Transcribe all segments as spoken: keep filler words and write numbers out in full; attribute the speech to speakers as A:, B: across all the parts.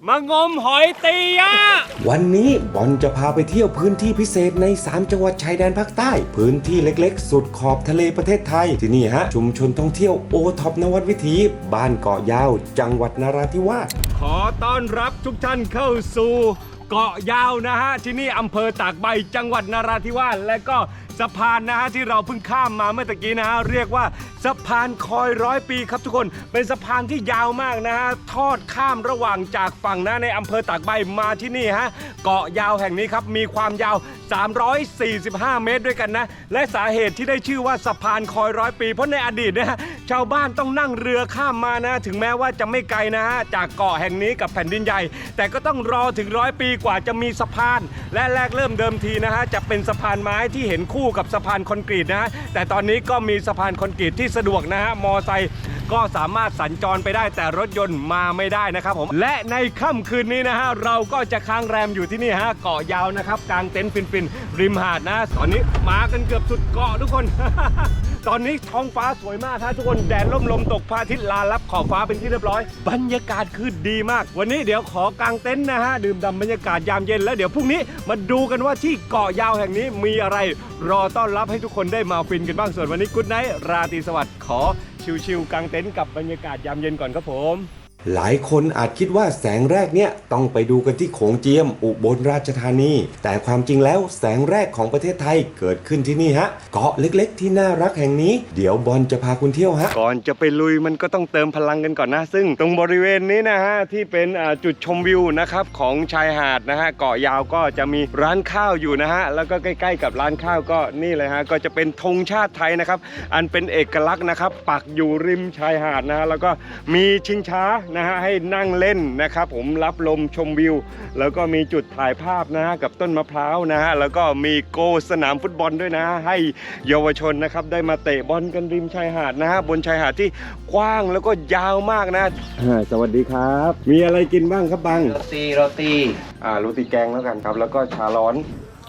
A: มางมหอยตียะ
B: วันนี้บอลจะพาไปเที่ยวพื้นที่พิเศษในสามจังหวัดชายแดนภาคใต้พื้นที่เล็กๆสุดขอบทะเลประเทศไทยที่นี่ฮะชุมชนท่องเที่ยวโอท็อปนวัดวิถีบ้านเกาะยาวจังหวัดนราธิวาส
A: ขอต้อนรับทุกท่านเข้าสู่เกาะยาวนะฮะที่นี่อำเภอตากใบจังหวัดนราธิวาสและก็สะพานนะฮะที่เราเพิ่งข้ามมาเมื่อตะกี้นะฮะเรียกว่าสะพานคอยร้อยปีครับทุกคนเป็นสะพานที่ยาวมากนะฮะทอดข้ามระหว่างจากฝั่งนะในอำเภอตากใบมาที่นี่ฮะเกาะยาวแห่งนี้ครับมีความยาวสามร้อยสี่สิบห้าเมตรด้วยกันนะและสาเหตุที่ได้ชื่อว่าสะพานคอยร้อยปีเพราะในอดีตนะฮะชาวบ้านต้องนั่งเรือข้ามมานะถึงแม้ว่าจะไม่ไกลนะฮะจากเกาะแห่งนี้กับแผ่นดินใหญ่แต่ก็ต้องรอถึงร้อยปีกว่าจะมีสะพานและแรกเริ่มเดิมทีนะฮะจะเป็นสะพานไม้ที่เห็นคู่กับสะพานคอนกรีตนะฮะแต่ตอนนี้ก็มีสะพานคอนกรีตที่สะดวกนะฮะมอไซค์ก็สามารถสัญจรไปได้แต่รถยนต์มาไม่ได้นะครับผมและในค่ำคืนนี้นะฮะเราก็จะค้างแรมอยู่ที่นี่ฮะเกาะยาวนะครับกลางเต็นท์ฟินๆริมหาดนะตอนนี้มากันเกือบสุดเกาะทุกคน ตอนนี้ท้องฟ้าสวยมากฮะทุกคนแดดร่มลมตกพระอาทิตย์ลาลับขอบฟ้าเป็นที่เรียบร้อยบรรยากาศคือดีมากวันนี้เดี๋ยวขอกางเต็นท์นะฮะดื่มด่ำบรรยากาศยามเย็นแล้วเดี๋ยวพรุ่งนี้มาดูกันว่าที่เกาะยาวแห่งนี้มีอะไรรอต้อนรับให้ทุกคนได้มาฟินกันบ้างส่วนวันนี้กุ๊ดไนท์ราตรีสวัสดิ์ขอชิลๆกางเต็นท์กับบรรยากาศยามเย็นก่อนครับผม
B: หลายคนอาจคิดว่าแสงแรกเนี่ยต้องไปดูกันที่โขงเจียมอุบลราชธานีแต่ความจริงแล้วแสงแรกของประเทศไทยเกิดขึ้นที่นี่ฮะเกาะเล็กๆที่น่ารักแห่งนี้เดี๋ยวบอลจะพาคุณเที่ยวฮะ
A: ก่อนจะไปลุยมันก็ต้องเติมพลังกันก่อนนะซึ่งตรงบริเวณนี้นะฮะที่เป็นจุดชมวิวนะครับของชายหาดนะฮะเกาะยาวก็จะมีร้านข้าวอยู่นะฮะแล้วก็ใกล้ๆกับร้านข้าวก็นี่เลยฮะก็จะเป็นธงชาติไทยนะครับอันเป็นเอกลักษณ์นะครับปักอยู่ริมชายหาดนะฮะแล้วก็มีชิงช้านะฮะให้นั่งเล่นนะครับผมรับลมชมวิวแล้วก็มีจุดถ่ายภาพนะฮะกับต้นมะพร้าวนะฮะแล้วก็มีโกสนามฟุตบอลด้วยนะให้เยาวชนนะครับได้มาเตะบอลกันริมชายหาดนะฮะบนชายหาดที่กว้างแล้วก็ยาวมากนะสวัสดีครับมีอะไรกินบ้างครับบัง
C: โรตีโรตี
A: อ่าโรตีแกงแล้วกันครับแล้วก็ชาร้อน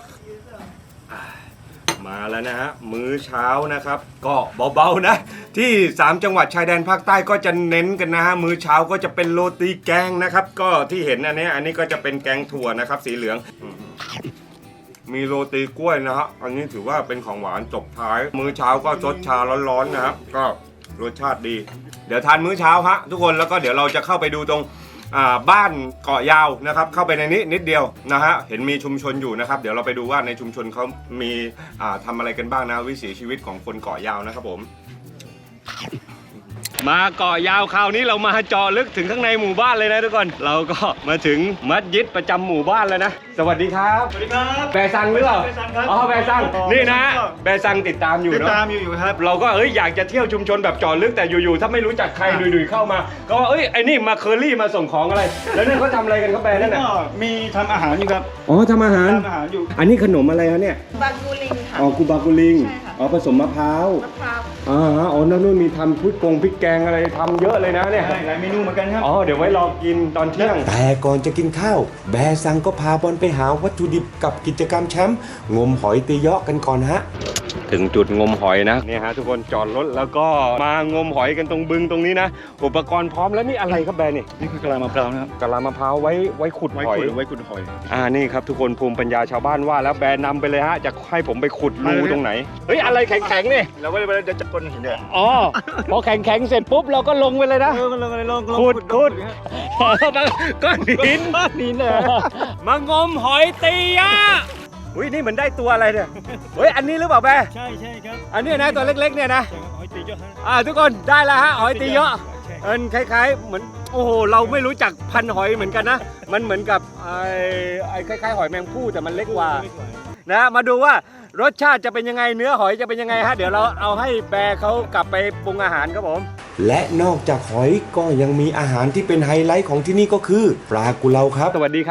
A: มาแล้วนะฮะมื้อเช้านะครับก็เบาๆนะที่สามจังหวัดชายแดนภาคใต้ก็จะเน้นกันนะฮะมื้อเช้าก็จะเป็นโรตีแกงนะครับก็ที่เห็นอันนี้อันนี้ก็จะเป็นแกงถั่วนะครับสีเหลืองมีโรตีกล้วยนะฮะอันนี้ถือว่าเป็นของหวานจบท้ายมื้อเช้าก็ซดชาร้อนๆนะครับก็รสชาติดีเดี๋ยวทานมื้อเช้าฮะทุกคนแล้วก็เดี๋ยวเราจะเข้าไปดูตรงบ้านเกาะยาวนะครับเข้าไปในนี้นิดเดียวนะฮะเห็นมีชุมชนอยู่นะครับเดี๋ยวเราไปดูว่าในชุมชนเขามีทำอะไรกันบ้างนะวิถีชีวิตของคนเกาะยาวนะครับผมมาเกาะยาวคราวนี้เรามาเจาะลึกถึงข้างในหมู่บ้านเลยนะทุกคนเราก็มาถึงมัสยิดประจำหมู่บ้านแล้วนะสวัสดีครับ
D: สวัสดีครับ
A: แบซังหรือเปล่าอ๋อแบซังนี่นะแบซังติดตามอยู่เนาะ
D: ติดตามอยู่ครับ
A: เราก็เอ้ยอยากจะเที่ยวชุมชนแบบเจาะลึกแต่อยู่ๆถ้าไม่รู้จักใครดุยๆเข้ามาก็ว่าเอ้ยไอ้นี่มาเคอรี่มาส่งของอะไรแล้วนั่นเขาทำอะไรกันเขาแบนั่นน่ะ
D: มีทำอาหารอยู่ครับ
A: อ๋อทำอาหาร
D: ทำอาหารอยู่
A: อันนี้ขนมอะไรครับเนี่ย
E: บากูลิงค่ะ
A: อ๋อกูบากูลิงอ๋อผสมมะพร้าว
E: มะพร้าว
A: อ๋ออ๋อนั่นนู่นมีทำพริกกงพริกแกงอะไรทำเยอะเลยนะเนี่ย
D: หลายเมนูเหมือนกันครับ
A: อ๋อเดี๋ยวไว้รอกินตอนเที่ยง
B: แต่ก่อนจะกินข้าวแบซังก็พาบอลไปหาวัตถุดิบกับกิจกรรมแชมป์งมหอยตีเยาะกันก่อนฮะ
A: ถึงจุดงมหอยนะเนี่ยฮะทุกคนจอดรถแล้วก็มางมหอยกันตรงบึงตรงนี้นะอุปกรณ์พร้อมแล้วนี่อะไรครับแบนี่
D: นี่คือกะลามะพร้าวนะครับ
A: กะลามะพร้าวไว้ไว้ขุดหอย
D: ไว้ขุดหอย
A: อ่านี่ครับทุกคนภูมิปัญญาชาวบ้านว่าแล้วแบนำไปเลยฮะจะให้ผมไปขุดรูตรงไหนเฮ้ยอะไรแข็งๆนี่
D: เราไม่ได้จะก้นหินเนี่ย
A: อ๋อพอแข็งๆเสร็จปุ๊บเราก็ลงไปเลยนะ
D: เออลงเลยลง
A: ขุดขุดก้อนหิน
D: ก้อนหินเลย
A: มางมหอยตียะอุ้ยนี่เหมือนได้ตัวอะไรเนี่ยเฮ้ยอันนี้หรือเปล่าแบ
D: ใช่ใช่ครับ
A: อันนี้นะตัวเล็กๆเนี่ยนะ
D: หอยตีเยอะ
A: อ่าทุกคนได้แล้วฮะหอยตีเยอะเออคล้ายๆเหมือนโอ้โหเราไม่รู้จักพันหอยเหมือนกันนะมันเหมือนกับไอ้ไอ้คล้ายๆหอยแมงภู่แต่มันเล็กกว่านะมาดูว่ารสชาติจะเป็นยังไงเนื้อหอยจะเป็นยังไงฮะเดี๋ยวเราเอาให้แบร์เขากลับไปปรุงอาหารครับผม
B: และนอกจากหอยก็ยังมีอาหารที่เป็นไฮไลท์ของที่นี่ก็คือปลากุเลาครับ
A: สวัสดีครับ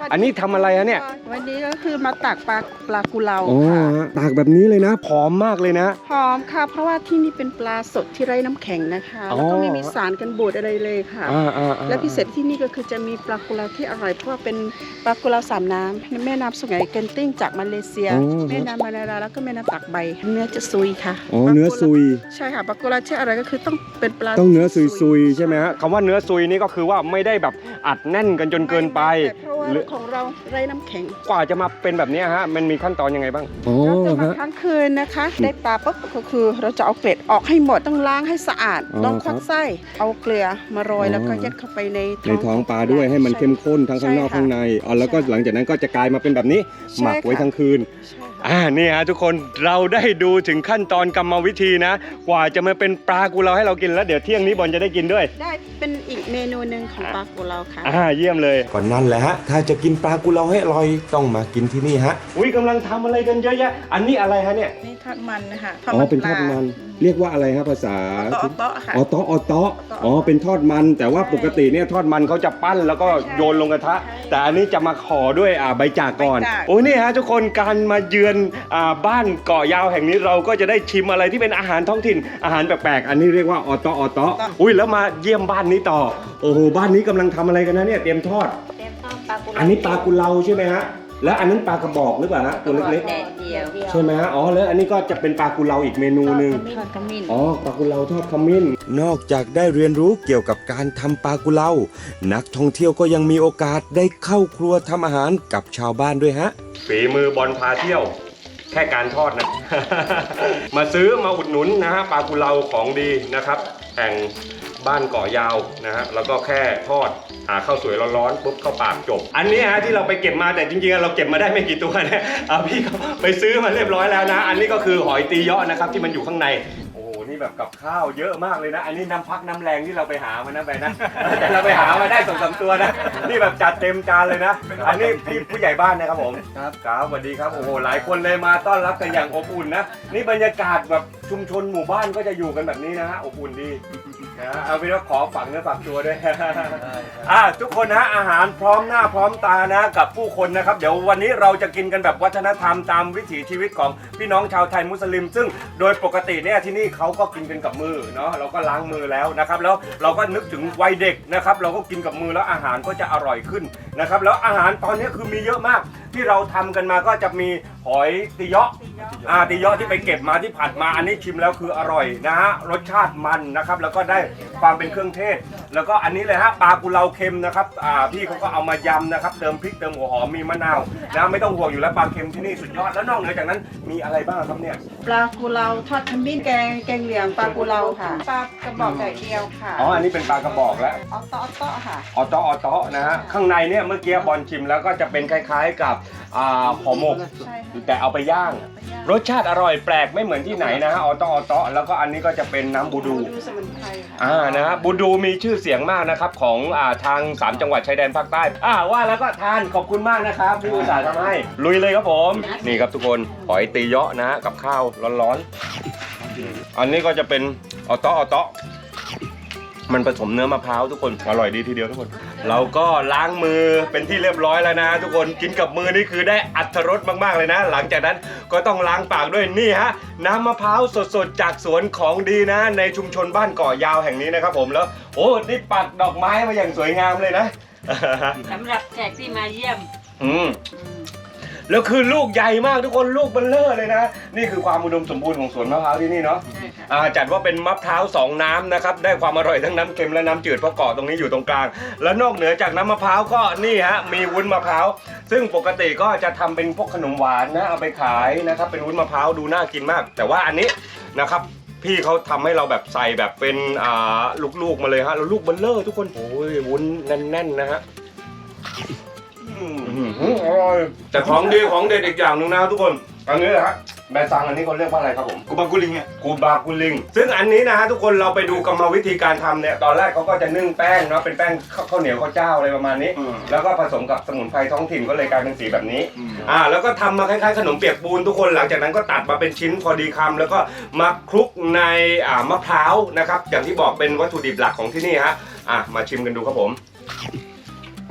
A: อันนี้ทำอะไรฮะเนี่ย
C: วันนี้ก็คือมาตักปลาปลากุเลา
A: อ๋อ
C: ค่ะ
A: ฮะตากแบบนี้เลยนะผอมมากเลยนะ
C: หอมค่ะ เพราะว่าที่นี่เป็นปลาสดที่ไร้น้ำแข็งนะคะ
A: อ๋อ
C: แล้วก็ไม่มีสารกันบูดอะไรเลยค่ะ
A: อ่าอ่าอ่า
C: และพิเศษที่นี่ก็คือจะมีปลากุเลาที่อร่อยเพราะว่าเป็นปลากุเลาสามน้ำแม่น้ำสุไหงเกนติ้งจากมาเลเซีย
A: อ๋อ
C: แม่น้ำมาลาราแล้วก็แม่น้ำตากใบเนื้อจะซุยค่ะ
A: อ๋อเนื้อซุย
C: ใช่ค่ะปลากุเลาที่อร่อยก็คือต้องเป็นปลา
A: ต้องเนื้อซุยๆใช่ไหมฮะคำว่าเนื้อซุยนี่ก็คือว่าไม่ได้แบบอัดแน่นกันจนเกินไป
C: แต่เพราะว่า
A: หรือ
C: ของเราไร้น้ำแข็ง
A: กว่าจะมาเป็นแบบนี้ฮะมันมีขั้นตอนยังไงบ้างอ๋อ
C: เราจะหมัก
A: ฮะ
C: ทั้งคืนนะคะ ได้ปลาปุ๊บก็คือเราจะเอาเกล็ดออกให้หมดต้องล้างให้สะอาด
A: อ๋อ
C: ต้องควักไส้เอาเกลือมาโรย
A: อ๋อ
C: แล้วก็ยัดเข้าไปใน
A: ในท้องปลาด้วยให้มันเข้มข้นทั้งข้างนอก
C: ใช่ค่ะ
A: ข้างในอ๋อแล้วก็หลังจากนั้นก็จะกลายมาเป็นแบบนี้
C: ใช่
A: หมักไว้
C: ค่ะ
A: ทั้งคืน
C: ใช่ค่ะ
A: อ่านี่ฮะทุกคนเราได้ดูถึงขั้นตอนกรรมวิธีนะ กว่าจะมาเป็นปลากุเลาให้เรากินแล้วเดี๋ยวเที่ยงนี้บอลจะได้กินด้วย
C: ได้เป็นอีกเมนูหนึ่งของปลากุเลาค่ะ
A: อ่าเยี่ยมเลย
B: ก่อนนั่นแหละฮะ ถ้าจะกินปลากุเลาให้อร่อยต้องมากินที่นี่ฮะ
A: อุ้ยกำลังทำอะไรกันเยอะแยะอันนี้อะไรฮะเนี่ย
C: นี่ทอดมันนะคะ
A: อ๋อเป็นทอดมันเรียกว่าอะไรฮะภาษา
C: โต๊ะโต๊ะค่ะ
A: อ๋อโต๊ะอ๋อโต๊ะอ๋อเป็นทอดมันแต่ว่าปกติเนี่ยทอดมันเขาจะปั้นแล้วก็โยนลงกระทะ แต่อันนี้จะมาขอด้วยอ่าใบจากก่อน
C: ใบจาก
A: โอ้นี่ฮะทุกคนการมาเยือนอ่าบ้านเกาะยาวแห่งนี้เราก็จะได้ชิมอะไรที่เป็นอาหารท้องถิ่นอาหารแปลกๆอันนี้เรียกว่าออโตออโตอุ้ยแล้วมาเยี่ยมบ้านนี้ต่อโอ้โหบ้านนี้กำลังทำอะไรกันนะเนี่ยเตรียมทอด
C: เต็มต้มปลากุเลา
A: อันนี้ปลากุเลาใช่ไหมฮะแล้วอันนั้นปลากระบอกหรือเปล่าฮะตัวเล็ก
C: แดดเดียว
A: ๆใช่ไหมฮะอ๋อแล้วอันนี้ก็จะเป็นปลากุเลาอีกเมนูหนึ่ง
C: ทอดขมิ้น
A: อ๋อปลากุเลาทอดขมิ้น
B: นอกจากได้เรียนรู้เกี่ยวกับการทำปลากุเลา นักท่องเที่ยวก็ยังมีโอกาสได้เข้าครัวทำอาหารกับชาวบ้านด้วยฮะ
A: ฝีมือบอลพาเที่ยว แค่การทอดนะ มาซื้อมาอุดหนุนนะฮะปลากุเลาของดีนะครับแห่งบ้านเกาะยาวนะฮะแล้วก็แค่ทอดหาข้าวสวยร้อนๆปุ๊บเข้าปากจบ อันนี้ฮะที่เราไปเก็บมาแต่จริงๆเราเก็บมาได้ไม่กี่ตัวเนี่ยเอาพี่เขาไปซื้อมาเรียบร้อยแล้วนะ อันนี้ก็คือหอยตีเยาะนะครับที่มันอยู่ข้างในโอ้โหนี่แบบกับข้าวเยอะมากเลยนะ อันนี้น้ำพักน้ำแรงที่เราไปหามานะไปนะ แต่เราไปหามาได้สองสามตัวนะนี่แบบจัดเต็มจานเลยนะ อันนี้พี่ผู้ใหญ่บ้านนะครับผมครับครับสวัสดีครับโอ้โหหลายคนเลยมาต้อนรับกันอย่างอบอุ่นนะนี่บรรยากาศแบบชุมชนหมู่บ้านก็จะอยู่กันแบบนี้นะฮะอบอุ่นดีนะเอาเป็นว่าขอฝังเนื้อฝักตัวด้วย อ่ะทุกคนนะอาหารพร้อมหน้าพร้อมตานะกับผู้คนนะครับเดี๋ยววันนี้เราจะกินกันแบบวัฒนธรรมตามวิถีชีวิตของพี่น้องชาวไทยมุสลิม ซึ่งโดยปกติเนี่ยที่นี่เขาก็กินกันกับมือเนาะเราก็ล้างมือแล้วนะครับแล้วเราก็นึกถึงวัยเด็กนะครับเราก็กินกับมือแล้วอาหารก็จะอร่อยขึ้นนะครับแล้วอาหารตอนนี้คือมีเยอะมากที่เราทำกันมาก็จะมีหอยตีเยาะอ่าตีเยาะที่ไปเก็บมาที่ผัดมาอันนี้ชิมแล้วคืออร่อยนะฮะรสชาติมันนะครับแล้วก็ได้ความเป็นเครื่องเทศ แล้วก็อันนี้เลยฮะปลากุเลาเค็มนะครับอ่าพี่เขาก็เอามายำนะครับเติมพริกเติมหัวหอมมีมะนาวนะไม่ต้องห่วงอยู่แล้วปลาเค็มที่นี่สุดยอดแล้วนอกเหนือจากนั้นมีอะไรบ้างครับเนี่ย
C: ปลากุเลาทอดขมิ้นแกงแกงเหลียงปลากุเลาค่ะปลากระบอกไก่เดียวค่ะ
A: อ๋ออันนี้เป็นปลากระบอกแล้ว
C: ออโต๊ะออโต๊ะค่ะ
A: ออโตออโตนะฮะข้างในเนี่ยเมื่อกี้บอลชิมแล้วก็จะเป็นคล้ายๆกับอ่าห่อหมก
C: ใช่ค่ะ
A: แต่เอาไปย่าง รสชาติอร่อยแปลกไม่เหมือนที่ไหนนะฮะออโตออโตแล้วก็อันนี้ก็จะเป็นน้ำบูดู
C: ดูสมุนไพรค่ะ
A: อ่านะฮะบูดูมีชื่อเสียงมากนะครับของอ่าทางสามจังหวัดชายแดนภาคใต้อ่าว่าแล้วก็ทานขอบคุณมากนะครับที่อุตส่าห์ทำให้ลุยเลยครับผมนี่ครับทุกคนหอยตีเยาะนะฮะกับข้าวร้อนๆอันนี้ก็จะเป็นออโตออโตมันผสมเนื้อมะพร้าวทุกคนอร่อยดีทีเดียวทุกคน เราก็ล้างมือเป็นที่เรียบร้อยแล้วนะทุกคนกินกับมือนี่คือได้อรรถรสมากๆเลยนะ หลังจากนั้นก็ต้องล้างปากด้วยนี่ฮะน้ำมะพร้าวสดๆจากสวนของดีนะในชุมชนบ้านเกาะยาวแห่งนี้นะครับผมแล้วโอ้นี่ปักดอกไม้มาอย่างสวยงามเลยนะ
E: สำหรับแขกที่มาเยี่ยม
A: อืมแล้วคือลูกใหญ่มากทุกคนลูกเบลเลอร์เลยนะนี่คือความอุดมสมบูรณ์ของสวนมะพร้าวที่นี่เนาะ
E: ใช่ค่ะ
A: อ่าจัดว่าเป็นมะพร้าวสองน้ำนะครับได้ความอร่อยทั้งน้ำเค็มและน้ำจืดเพราะเกาะตรงนี้อยู่ตรงกลาง แล้วนอกเหนือจากน้ำมะพร้าวก็นี่ฮะมีวุ้นมะพร้าวซึ่งปกติก็จะทำเป็นพวกขนมหวานนะเอาไปขายนะครับเป็นวุ้นมะพร้าวดูน่ากินมาก แต่ว่าอันนี้นะครับพี่เขาทำให้เราแบบใส่แบบเป็นอ่าลูกๆมาเลยฮะแล้วลูกเบลเลอร์ทุกคนโอ้ยวุ้นแน่นๆนะฮะอืมอร่อยแต่ของดีของเด็ดอีกอย่างหนึ่งนะทุกคนอันนี้นะฮะแม่ซังอันนี้เขาเรียกว่าอะไรครับผม
D: กูบังกุลิงเนี่ย
A: กูบากุลิงซึ่งอันนี้นะฮะทุกคนเราไปดูกรรมวิธีการทำเนี่ยตอนแรกเขาก็จะนึ่งแป้งเนาะเป็นแป้งข้าวเหนียวข้าวเจ้าอะไรประมาณนี้ แล้วก็ผสมกับสมุนไพรท้องถิ่นก็เลยกลายเป็นสีแบบนี้อ่าแล้วก็ทำมาคล้ายๆขนมเปียกปูนทุกคนหลังจากนั้นก็ตัดมาเป็นชิ้นพอดีคำแล้วก็มาคลุกในอ่ามะพร้าวนะครับอย่างที่บอกเป็นวัตถุดิบหลักของที่นี่ฮะอ่ะมาชิมกันดูครับผม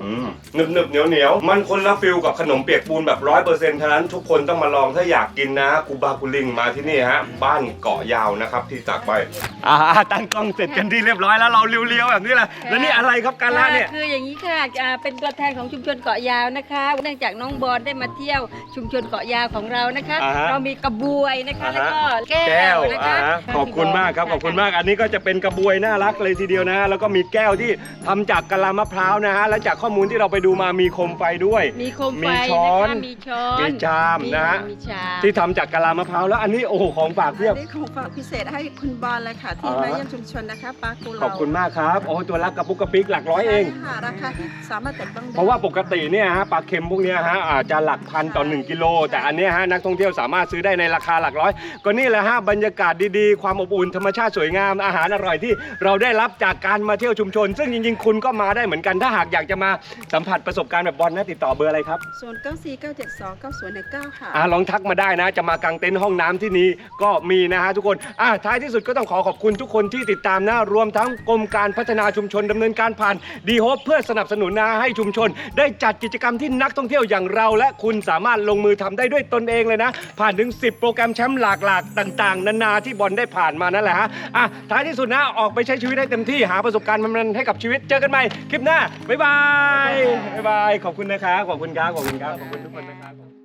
A: หนึบหนึบเหนียวเหนียวมันคนละฟิลกับขนมเปียกปูนแบบร้อยเปอร์เซ็นต์ฉะนั้นทุกคนต้องมาลองถ้าอยากกินนะกูบากูลิงมาที่นี่ฮะบ้านเกาะยาวนะครับที่ตากใบอ่าตั้งกล้องเสร็จกันที่เรียบร้อยแล้วเราเลี้ยวๆแบบนี้แหละแล้วนี่อะไรครับการละเนี่ย
E: คืออย่างนี้ค่ะอ่าเป็นตัวแทนของชุมชนเกาะยาวนะคะเนื่องจากน้องบอลได้มาเที่ยวชุมชนเกาะยาวของเรานะคะ
A: อ่าฮะ
E: เรามีกระบวยนะคะ
A: อ่าฮะ
E: แล้วก็แก้
A: แก้ว
E: วนะคะ
A: อ่าฮะขอบคุณมากครับขอบคุณมากอันนี้ก็จะเป็นกระบวยน่ารักเลยทีเดียวนะฮะแล้วก็มีแก้วที่ทำจากกะลามะพร้าวนะฮะและจากข้อมูลที่เราไปดูมามีโคมไฟด้วย
E: มีโคมไฟ
A: มีช้อน
E: นะคะมีช้อน
A: มีชามนะฮะ
E: มีชาม
A: ที่ทำจากกะลามะพร้าวแล้วอันนี้โอ้โหของฝากเพียบ
C: อันนี้ของฝากพิเศษให้คุณบอลเลยค่ะ ที่
A: อ่า
C: มาเยี่ยมชุมชนนะคะปลากุเลา
A: ขอบคุณมากครับโอ้ตัวละกระปุกกระปิกหลักร้อยเอง
C: ใช่ค่ะราคาที่สามารถจับต้องได้
A: เพราะว่าปกติเนี่ยฮะปลาเค็มพวกเนี้ยฮะอาจจะหลักพันต่อหนึ่งกิโลแต่อันเนี้ยฮะนักท่องเที่ยวสามารถซื้อได้ในราคาหลักร้อยก็นี่แหละฮะบรรยากาศดีๆความอบอุ่นธรรมชาติสวยงามอาหารอร่อยที่เราได้รับจากการมาเที่ยวชุมชน ซึ่งจริงๆคุณก็มาได้เหมือนกันถ้าหากอยากจะมาสัมผัสประสบการณ์แบบบอลนะติดต่อเบอร์อะไรครับ
C: ศูนย์เก้าสี่เก้าเจ็ดสองเก้าศูนย์หนึ่งเก้าค่ะ
A: อ่าลองทักมาได้นะจะมากางเต็นท์ห้องน้ำที่นี้ก็มีนะฮะทุกคนอ่าท้ายที่สุดก็ต้องขอขอบคุณทุกคนที่ติดตามนะรวมทั้งกรมการพัฒนาชุมชนดำเนินการผ่านดีโฮปเพื่อสนับสนุนนะให้ชุมชน ได้จัดกิจกรรมที่นักท่องเที่ยวอย่างเรา และคุณสามารถลงมือทำได้ด้วยตนเองเลยนะ ผ่านถึงสิบโปรแกรมแชมป์หลากหลากต่างๆ นานาที่บอลได้ผ่านมานั่นแหละฮะอ่ะท้ายที่สุดนะออกไปใช้ชีวิตได้เต็มที่หาประสบการณ์มันๆให้กับชีวิตเจอกันใหม่คลิปหน้าบ๊ายบายบ๊ายบายขอบคุณนะครับขอบคุณครับขอบคุณครับขอบคุณทุกคนนะครับ